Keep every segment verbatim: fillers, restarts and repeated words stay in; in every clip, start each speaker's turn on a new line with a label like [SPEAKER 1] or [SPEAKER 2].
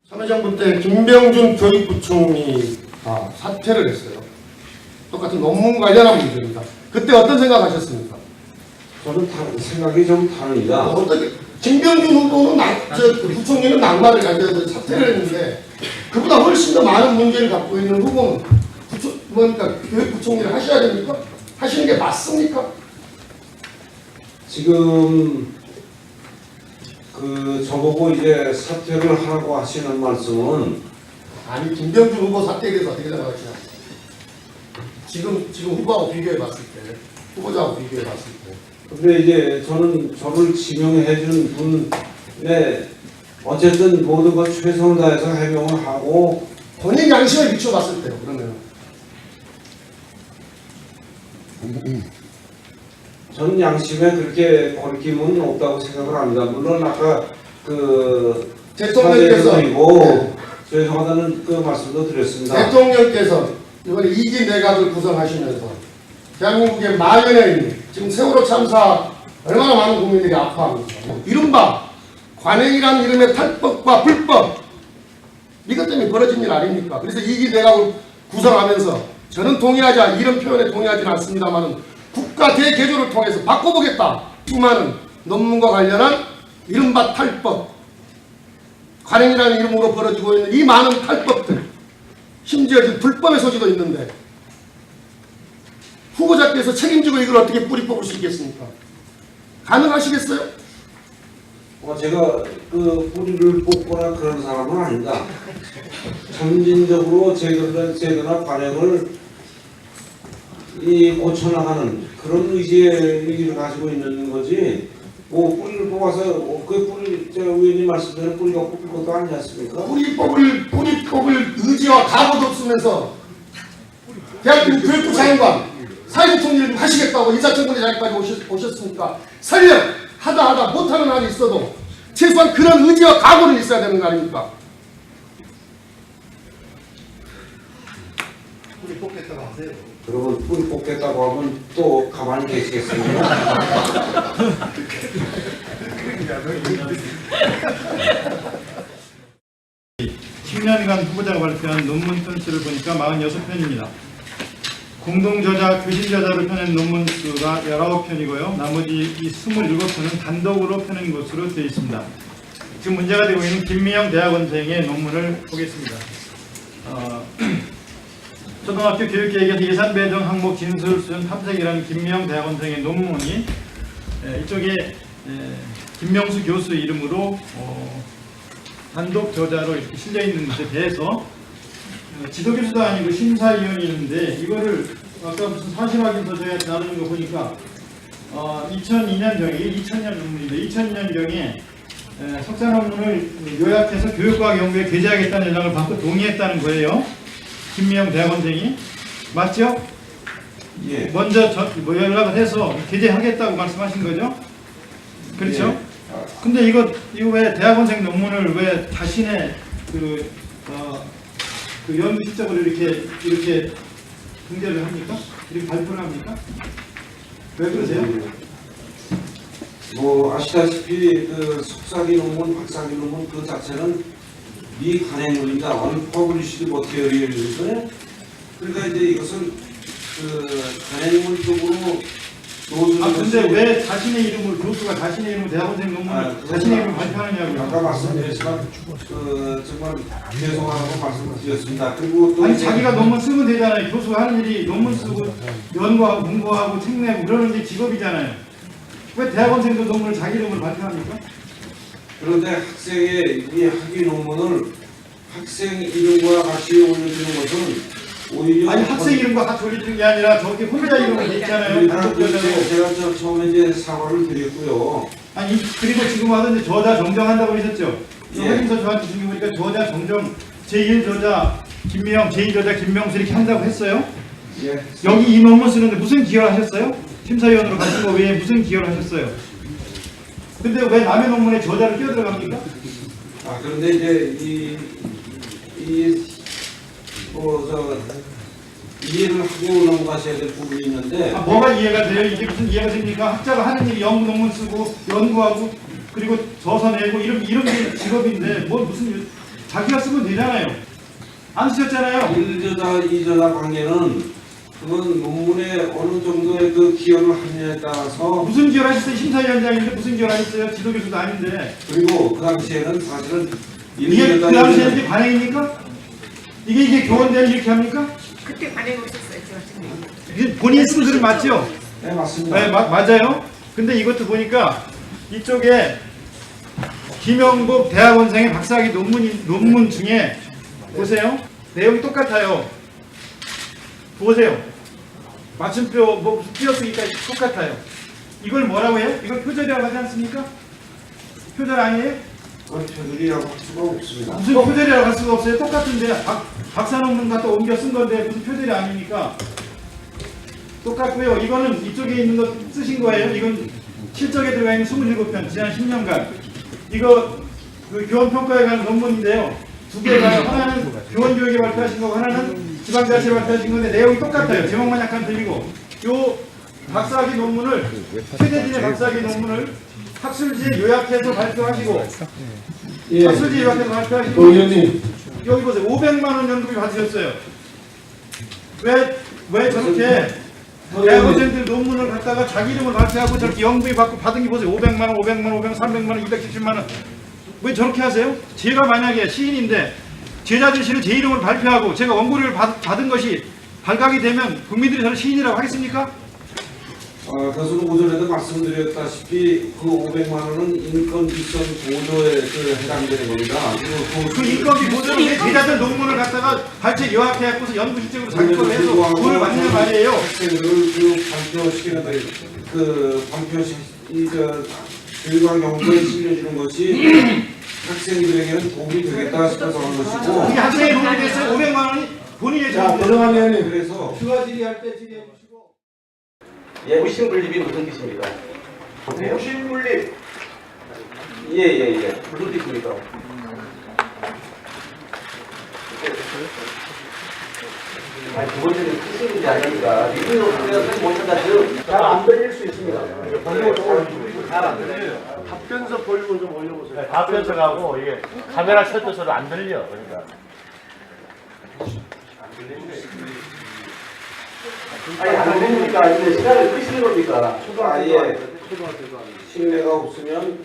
[SPEAKER 1] 참여정부 때 김병준 교육부총리가 사퇴를 했어요. 똑같은 논문 관련한 문제입니다. 그때 어떤 생각하셨습니까?
[SPEAKER 2] 저는 다, 생각이 좀 다릅니다.
[SPEAKER 1] 어떻게 김병준 후보는 나, 저, 그 부총리는 낙마를 가져서 사퇴를 했는데 그보다 훨씬 더 많은 문제를 갖고 있는 후보는 부총, 뭐니까 교육부총리를 하셔야 됩니까? 하시는 게 맞습니까?
[SPEAKER 2] 지금 그 저보고 이제 사퇴를 하라고 하시는 말씀은
[SPEAKER 1] 아니 김병준 후보 사퇴에 대해서 어떻게 생각하시나요? 지금 지금 후보하고 비교해 봤을 때 후보자하고 비교해 봤을 때
[SPEAKER 2] 근데 이제 저는 저를 지명해 준 분에 어쨌든 모든 걸 최선을 다해서 해명을 하고
[SPEAKER 1] 본인 양심에 비춰봤을 때요. 그러면
[SPEAKER 2] 저는 양심에 그렇게 거리낌은 없다고 생각을 합니다. 물론 아까 그
[SPEAKER 1] 대통령께서
[SPEAKER 2] 이고 죄송하다는 그 말씀도 드렸습니다.
[SPEAKER 1] 대통령께서 이번에 이기 내각을 구성하시면서 대한민국의 만연해 있는 지금 세월호 참사 얼마나 많은 국민들이 아파합니까? 뭐 이른바 관행이라는 이름의 탈법과 불법 이것 때문에 벌어진 일 아닙니까? 그래서 이기 내각을 구성하면서 저는 동의하지 않, 이런 표현에 동의하지는 않습니다만 국가 대개조를 통해서 바꿔보겠다. 수많은 논문과 관련한 이른바 탈법 관행이라는 이름으로 벌어지고 있는 이 많은 탈법들 심지어 지금 불법의 소지도 있는데 후보자께서 책임지고 이걸 어떻게 뿌리 뽑을 수 있겠습니까? 가능하시겠어요?
[SPEAKER 2] 어, 제가 그 뿌리를 뽑거나 그런 사람은 아니다. 점진적으로 제도나, 제도나 관행을 이 고쳐나가는 그런 의지의 의지를 가지고 있는 거지. 뭐 뿌리를 뽑아서 어, 그 뿌리 제가 의원님 말씀대로 뿌리가 뽑힐 것도 아니지 않습니까?
[SPEAKER 1] 뿌리 뽑을 뿌리 뽑을 의지와 각오도 없으면서 대한민국 교육부 장관 사회부총리를 하시겠다고 인사청문회 자리까지 오셨, 오셨으니까 설령 하다 하다 못하는 한이 있어도 최소한 그런 의지와 각오는 있어야 되는 거 아닙니까? 뿌리 뽑겠다고 하세요.
[SPEAKER 2] 그러면 뿌리 뽑겠다고 하면 또 가만히 계시겠습니까?
[SPEAKER 3] 십 년간 후보자가 발표한 논문 편수를 보니까 사십육 편입니다. 공동저자, 교실저자로 펴낸 논문 수가 십구 편이고요. 나머지 이 이십칠 편은 단독으로 펴낸 것으로 되어 있습니다. 지금 문제가 되고 있는 김미영 대학원생의 논문을 보겠습니다. 어, 초등학교 교육계획에서 예산 배정 항목 진술 수준 탐색이라는 김미영 대학원생의 논문이 에, 이쪽에 에, 김명수 교수 이름으로 어, 단독 저자로 이렇게 실려 있는 것에 대해서 어, 지도교수도 아니고 심사위원이 있는데 이거를 아까 무슨 사실확인서 저희가 나누는 거 보니까 어, 이천이 년경에 이천 년 논문인데 이천 년경에 에, 석사 논문을 요약해서 교육과학 연구에 게재하겠다는 연락을 받고 동의했다는 거예요. 김미영 대학원생이 맞죠?
[SPEAKER 2] 예.
[SPEAKER 3] 먼저 저, 뭐 연락을 해서 게재하겠다고 말씀하신 거죠? 그렇죠?
[SPEAKER 2] 예.
[SPEAKER 3] 근데 이거 이거 왜 대학원생 논문을 왜 자신의 그, 어, 그 연구 실적으로 이렇게 이렇게 공개를 합니까? 이렇게 발표를 합니까? 왜 그러세요?
[SPEAKER 2] 뭐 아시다시피 그 석사기 논문, 박사기 논문 그 자체는 미간행물입니다. 언퍼블리시드 머티리얼이거든요. 그러니까 이제 이것은 그 간행물 쪽으로 노출.
[SPEAKER 3] 아 근데 왜 자신의 이름을 교수가 자신의 이름을 대학원생 논문을
[SPEAKER 2] 아,
[SPEAKER 3] 자신의 이름을 발표하느냐고요?
[SPEAKER 2] 아까 말씀드렸지만 그 정말 죄송하다고 말씀드렸습니다. 그리고 또
[SPEAKER 3] 아니 자기가 논문 쓰면 되잖아요. 교수가 하는 일이 논문 쓰고 연구하고 공부하고 책 내고 그러는 게 직업이잖아요. 왜 대학원생도 논문을 자기 이름을 발표합니까?
[SPEAKER 2] 그런데 학생의 이 학위 논문을 학생 이름과 같이 올려주는 것은 오히려
[SPEAKER 3] 아니 학생 이름과 같이 올려주는 게 아니라 저기 후보자 이름이 돼 있잖아요. 단독
[SPEAKER 2] 제가,
[SPEAKER 3] 저자로.
[SPEAKER 2] 제가 저 처음에 이제 사과를 드렸고요.
[SPEAKER 3] 아니 그리고 지금 와서 이제 저자 정정한다고 하셨죠?
[SPEAKER 2] 예.
[SPEAKER 3] 확인서 저한테 주신 거 보니까 저자 정정 제일 저자 김미영, 제이 저자 김명수 이렇게 한다고 했어요?
[SPEAKER 2] 예.
[SPEAKER 3] 여기 이 논문 쓰는데 무슨 기여를 하셨어요? 심사위원으로 가신 거 외에 무슨 기여를 하셨어요? 근데 왜 남의 논문에 저자를 끼어 들어갑니까?
[SPEAKER 2] 아 그런데 이제 이이뭐저 이해를 하고 넘어가셔야 될 부분이 있는데.
[SPEAKER 3] 아, 뭐가 이해가 돼요? 이게 무슨 이해가 됩니까? 학자가 하는 일이 연구 논문 쓰고 연구하고 그리고 저서 내고 이런 이런 게 직업인데 뭐 무슨 자기가 쓰면 되잖아요. 안 쓰셨잖아요.
[SPEAKER 2] 일저자, 이저자 관계는 그건 논문에 어느 정도의 그 기여를 하느냐에 따라서
[SPEAKER 3] 무슨 기여를 하셨어요? 심사위원장인데 무슨 기여를 하셨어요? 지도교수도 아닌데.
[SPEAKER 2] 그리고 그 당시에는 사실은
[SPEAKER 3] 이게 그
[SPEAKER 2] 일저자,
[SPEAKER 3] 당시에
[SPEAKER 2] 이저자
[SPEAKER 3] 이게 관행입니까? 이게 이게 교원대는 이렇게 합니까?
[SPEAKER 4] 그때 관행 없었어요. 제가
[SPEAKER 3] 이게 본인이 쓴 글은 맞죠?
[SPEAKER 2] 네 맞습니다.
[SPEAKER 3] 네, 마, 맞아요. 근데 이것도 보니까 이쪽에 김영복 대학원생의 박사학위 논문 논문 중에 보세요. 내용이 똑같아요. 보세요. 맞춤표 뭐 띄어쓰기까지 똑같아요. 이걸 뭐라고 해요? 이걸 표절이라고 하지 않습니까? 표절 아니에요?
[SPEAKER 2] 그건 표절이라고 할 수가 없습니다.
[SPEAKER 3] 무슨 표절이라고 할 수가 없어요. 똑같은데 박, 박사 논문 갖다 옮겨 쓴 건데 무슨 표절이 아닙니까? 똑같고요. 이거는 이쪽에 있는 거 쓰신 거예요. 이건 실적에 들어가 있는 이십칠 편 지난 십 년간 이거 그 교원 평가에 관한 논문인데요. 두 개가 하나는 교원 교육에 발표하신 거고 하나는 지방자치에 발표하신 건데 내용이 똑같아요. 제목만 약간 틀리고 요 박사학위 논문을 최대진의 박사학위 논문을 학술지에 요약해서 발표하시고
[SPEAKER 1] 예.
[SPEAKER 3] 학술지에 요약해서 발표하시고
[SPEAKER 1] 도 의원님,
[SPEAKER 3] 여기 보세요. 오백만 원 연금이 받으셨어요. 왜, 왜 저렇게 대학원생들 논문을 갖다가 자기 이름을 발표하고 저렇게 연금이 받고 받은 게 보세요. 오백만 원, 오백만 원, 오백만 원, 삼백만 원, 이백칠십만 원. 왜 저렇게 하세요? 제가 만약에 시인인데 제자들 시를 제 이름을 발표하고 제가 원고료를 받, 받은 것이 발각이 되면 국민들이 저를 시인이라고 하겠습니까?
[SPEAKER 2] 어, 교수는 오전에도 말씀드렸다시피 그 오백만 원은 인건비 선 보조에 그 해당되는 겁니다. 그,
[SPEAKER 3] 그 인건비 보조를 왜 제자들 논문을 갖다가 발췌 요약해갖고서 연구 실적으로 자기 걸로 해서 돈을 받는 말이에요.
[SPEAKER 2] 학생들을 그 발표시키는 그 발표시 이저 교육학 연구에 실려주는 것이 학생들에게는 도움이 되겠다 싶어서 한 것이고
[SPEAKER 3] 이게 학생의 돈이 됐어요. 오백만 원이 본인의
[SPEAKER 1] 자,
[SPEAKER 3] 돈이
[SPEAKER 1] 고정환 의원님.
[SPEAKER 2] 그래서
[SPEAKER 1] 추가 질의할 때 질의해 주시고.
[SPEAKER 5] 예, 무신분립이 무슨 뜻입니까?
[SPEAKER 2] 무신물립 예예예
[SPEAKER 5] 무슨 뜻입니까? 아니, 두 번째는 뜻이 문제 아닙니까? 리뷰로 우리가 뜻 못한다 지금 잘안 들릴 수 있습니다.
[SPEAKER 6] 잘안 들려요.
[SPEAKER 1] 답변서 볼륨을 좀 올려보세요.
[SPEAKER 6] 네, 답변서가고 이게 카메라 셔터서로 안 들려. 그러니까
[SPEAKER 5] 아니, 안 들립니까? 아니면 시간을 끄시는 겁니까?
[SPEAKER 2] 아예 신뢰가 없으면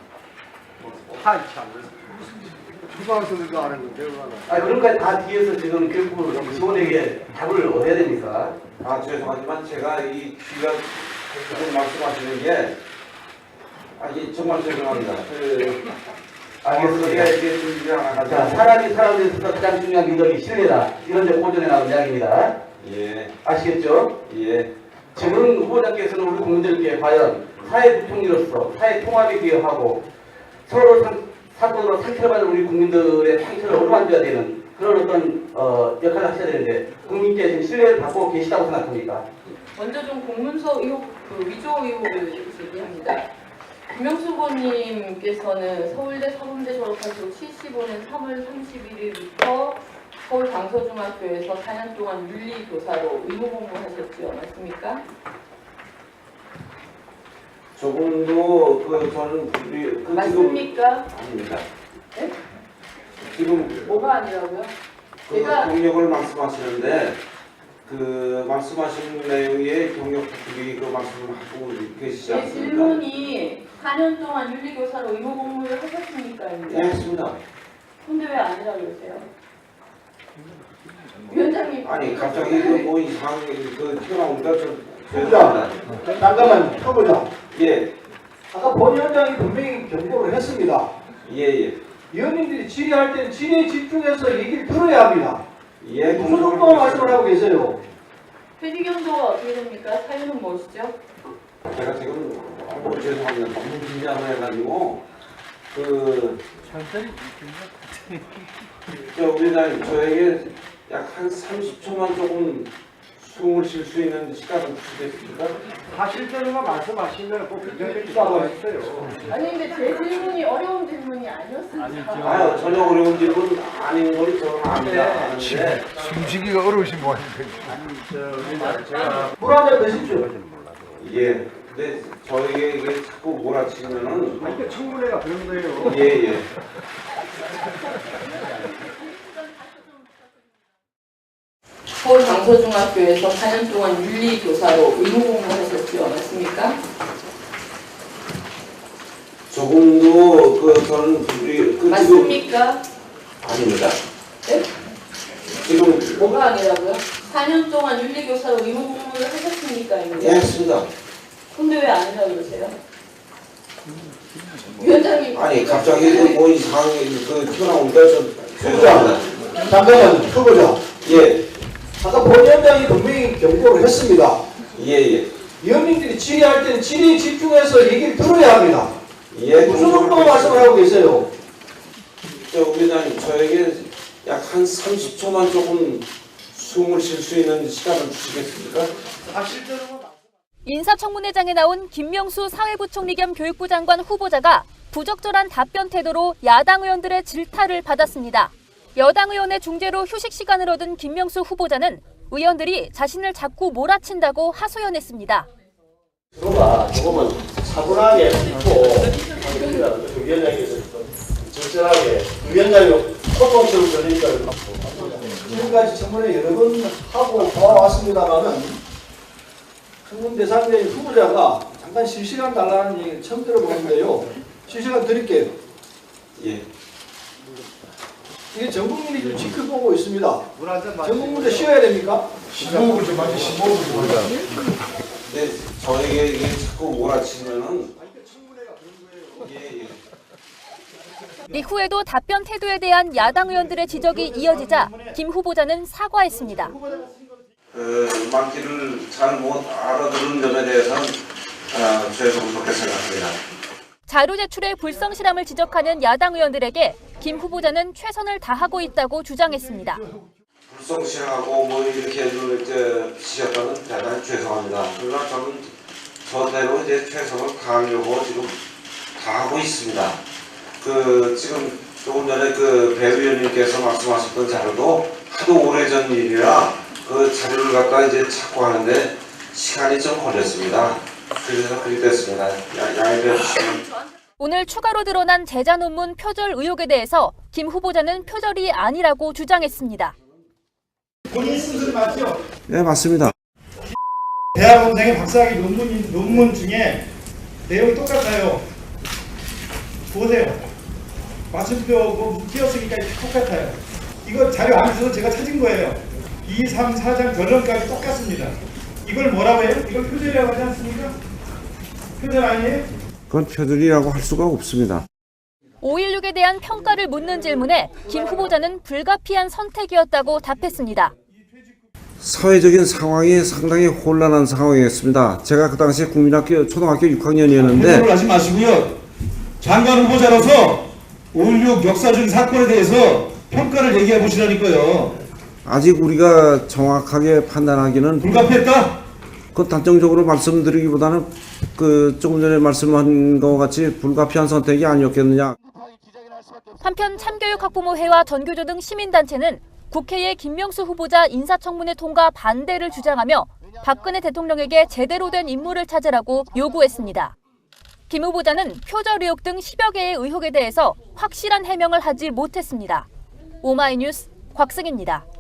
[SPEAKER 1] 초등학생들도 안 했는데 얼마나.
[SPEAKER 5] 아니, 그러니까 다 뒤에서 지금 교육부 직원에게 답을 얻어야 됩니까?
[SPEAKER 2] 아 죄송하지만 제가 이 귀가 지금 말씀하시는 게 아, 이게 정말 죄송합니다. 그,
[SPEAKER 5] 알겠습니다.
[SPEAKER 2] 우리가 이게 좀 일을 안
[SPEAKER 5] 자,
[SPEAKER 2] 하죠.
[SPEAKER 5] 사람이 사람에서 가장 중요한 미덕이 신뢰다. 이런 데 고전에 나온 이야기입니다.
[SPEAKER 2] 예,
[SPEAKER 5] 아시겠죠?
[SPEAKER 2] 예.
[SPEAKER 5] 지금 후보자께서는 우리 국민들께 과연 사회 부통리로서 사회 통합에 기여하고 서로 상, 사건으로 상처를 받는 우리 국민들의 상처를 어루만져야 되는 그런 어떤 어, 역할을 하셔야 되는데 국민께 지금 신뢰를 받고 계시다고 생각합니까?
[SPEAKER 4] 먼저 좀 공문서 의혹, 그 위조 의혹을 제기합니다. 김영수 후보님께서는 서울대 사범대 졸업하시고 칠십오 년 삼월 삼십일일부터 서울 강서중학교에서 사 년 동안 윤리교사로 의무 공부하셨지요, 맞습니까?
[SPEAKER 2] 조금도 그 저는 우리 그 지금
[SPEAKER 4] 맞습니까?
[SPEAKER 2] 아닙니다.
[SPEAKER 4] 네?
[SPEAKER 2] 지금
[SPEAKER 4] 뭐가 아니라고요?
[SPEAKER 2] 그
[SPEAKER 4] 제가
[SPEAKER 2] 경력을 말씀하시는데 그 말씀하신 내용의 경력 특히 그 말씀을 하고 계시지
[SPEAKER 4] 제
[SPEAKER 2] 않습니까?
[SPEAKER 4] 질문이 사 년 동안 윤리교사로 의무 공부를 하셨습니까?
[SPEAKER 2] 예, 했습니다.
[SPEAKER 4] 근데 왜 아니라고 그러세요? 위원장님.
[SPEAKER 2] 아니 갑자기 그뭐 이상한 그 튀어나오니까 좀
[SPEAKER 7] 후보자,
[SPEAKER 2] 죄송합니다.
[SPEAKER 7] 잠깐만 후보자.
[SPEAKER 2] 예,
[SPEAKER 7] 아까 본 위원장이 분명히 경고를 했습니다.
[SPEAKER 2] 예, 예.
[SPEAKER 7] 위원님들이 질의할 때는 질의에 집중해서 얘기를 들어야 합니다.
[SPEAKER 2] 예,
[SPEAKER 7] 무슨 정도 말씀을 하고 계세요?
[SPEAKER 4] 회기경도가 어떻게 됩니까? 사유는 무엇이죠?
[SPEAKER 2] 제가 지금 너무 죄송합니다. 너무 긴장을 해가지고 그 저 우리나라 저에게 약 한 삼십 초만 조금 숨을 쉴 수 있는 시간을 주시겠습니까?
[SPEAKER 7] 하실 때는만 말씀하시면 꼭 굉장히 기사가 있어요.
[SPEAKER 4] 아니 근데 제 질문이 어려운 질문이 아니었습니다.
[SPEAKER 2] 아유 전혀 어려운 질문 아닌 걸 저는 압니다. 아는데
[SPEAKER 8] 숨쉬기가 어려우신 분
[SPEAKER 7] 물 한 잔 드십시오.
[SPEAKER 2] 예. 근데 저에게 이게 자꾸 몰아치면은
[SPEAKER 7] 이게 청문회가 그런 거예요.
[SPEAKER 2] 예 예.
[SPEAKER 4] 서울 강서중학교에서 사 년 동안 윤리교사로 의무공부하셨죠, 맞습니까?
[SPEAKER 2] 조금도 그 저는 우리 그
[SPEAKER 4] 맞습니까?
[SPEAKER 2] 지금 아닙니다.
[SPEAKER 4] 네?
[SPEAKER 2] 지금
[SPEAKER 4] 뭐가 아니라고요? 사 년 동안 윤리교사로 의무공부를 하셨습니까?
[SPEAKER 2] 예, 했습니다.
[SPEAKER 4] 근데 왜 아니라고 그러세요? 위원장님.
[SPEAKER 2] 아니 갑자기 그뭐 이상한 그 튀어나오니까 좀
[SPEAKER 7] 후보자, 잠깐만, 후보자.
[SPEAKER 2] 예,
[SPEAKER 7] 아까 본 위원장이 분명히 경고를 했습니다.
[SPEAKER 2] 예, 예.
[SPEAKER 7] 위원님들이 질의할 때는 질의에 집중해서 얘기를 들어야 합니다.
[SPEAKER 2] 예,
[SPEAKER 7] 무슨 정도 말씀을 하고 계세요?
[SPEAKER 2] 저 위원장님 저에게 약 한 삼십 초만 조금 숨을 쉴 수 있는 시간을 주시겠습니까?
[SPEAKER 8] 인사청문회장에 나온 김명수 사회부총리 겸 교육부 장관 후보자가 부적절한 답변 태도로 야당 의원들의 질타를 받았습니다. 여당 의원의 중재로 휴식 시간을 얻은 김명수 후보자는 의원들이 자신을 자꾸 몰아친다고 하소연했습니다.
[SPEAKER 6] 저거가 조금은 차분하게 짚고 그 위원장께서 적절하게 위원장이 소통처럼 들리니까
[SPEAKER 7] 지금까지 청문회 여러 번 하고 봐왔습니다만은 청문 대상자인 후보자가 잠깐 실시간 달라는 얘기를 처음 들어보는데요. 실시간 드릴게요.
[SPEAKER 2] 예.
[SPEAKER 7] 이게 전 국민이 좀 지켜보고 있습니다. 전 국민도 쉬어야 됩니까?
[SPEAKER 1] 십오 분 좀 하지, 십오 분 좀 하자.
[SPEAKER 2] 근데 저에게 이게 자꾸 몰아치면은 예, 예.
[SPEAKER 8] 이후에도 답변 태도에 대한 야당 의원들의 지적이 이어지자 김 후보자는 사과했습니다.
[SPEAKER 2] 그 말귀를 잘 못 알아들은 점에 대해서는 아, 죄송스럽게 생각합니다.
[SPEAKER 8] 자료 제출의 불성실함을 지적하는 야당 의원들에게 김 후보자는 최선을 다하고 있다고 주장했습니다.
[SPEAKER 2] 불성실하고 뭐 이렇게 이제 비치셨다면 대단히 죄송합니다. 그러나 저는 저대로 이제 최선을 다하려고 지금 다하고 있습니다. 그 지금 조금 전에 그 배 의원님께서 말씀하셨던 자료도 하도 오래전 일이라 그 자료를 갖다 이제 찾고 하는데 시간이 좀 걸렸습니다. 그래서 그렇게 됐습니다. 양해해 주시면.
[SPEAKER 8] 오늘 추가로 드러난 제자 논문 표절 의혹에 대해서 김 후보자는 표절이 아니라고 주장했습니다.
[SPEAKER 3] 본인 쓴 소리 맞죠?
[SPEAKER 2] 네, 맞습니다.
[SPEAKER 3] 대학원생의 박사학위 논문, 논문 중에 내용이 똑같아요. 보세요. 맞춤표고 띄었으니까 똑같아요. 이거 자료 안에서 제가 찾은 거예요. 이, 삼, 사 장 결론까지 똑같습니다. 이걸 뭐라고 해요? 이걸 표절이라고 하지 않습니까? 표절 아니에요?
[SPEAKER 2] 그건 표절이라고 할 수가 없습니다.
[SPEAKER 8] 오일육에 대한 평가를 묻는 질문에 김 후보자는 불가피한 선택이었다고 답했습니다.
[SPEAKER 2] 사회적인 상황이 상당히 혼란한 상황이었습니다. 제가 그 당시에 국민학교 초등학교 육 학년이었는데
[SPEAKER 9] 표현을 하지 마시고요. 장관 후보자로서 오일육 역사적인 사건에 대해서 평가를 얘기해 보시라니까요.
[SPEAKER 2] 아직 우리가 정확하게 판단하기는
[SPEAKER 9] 불가피했다?
[SPEAKER 2] 그 단정적으로 말씀드리기보다는 그 조금 전에 말씀한 것 같이 불가피한 선택이 아니었겠느냐.
[SPEAKER 8] 한편 참교육학부모회와 전교조 등 시민단체는 국회의 김명수 후보자 인사청문회 통과 반대를 주장하며 박근혜 대통령에게 제대로 된 인물을 찾으라고 요구했습니다. 김 후보자는 표절 의혹 등 십여 개의 의혹에 대해서 확실한 해명을 하지 못했습니다. 오마이뉴스 곽승입니다.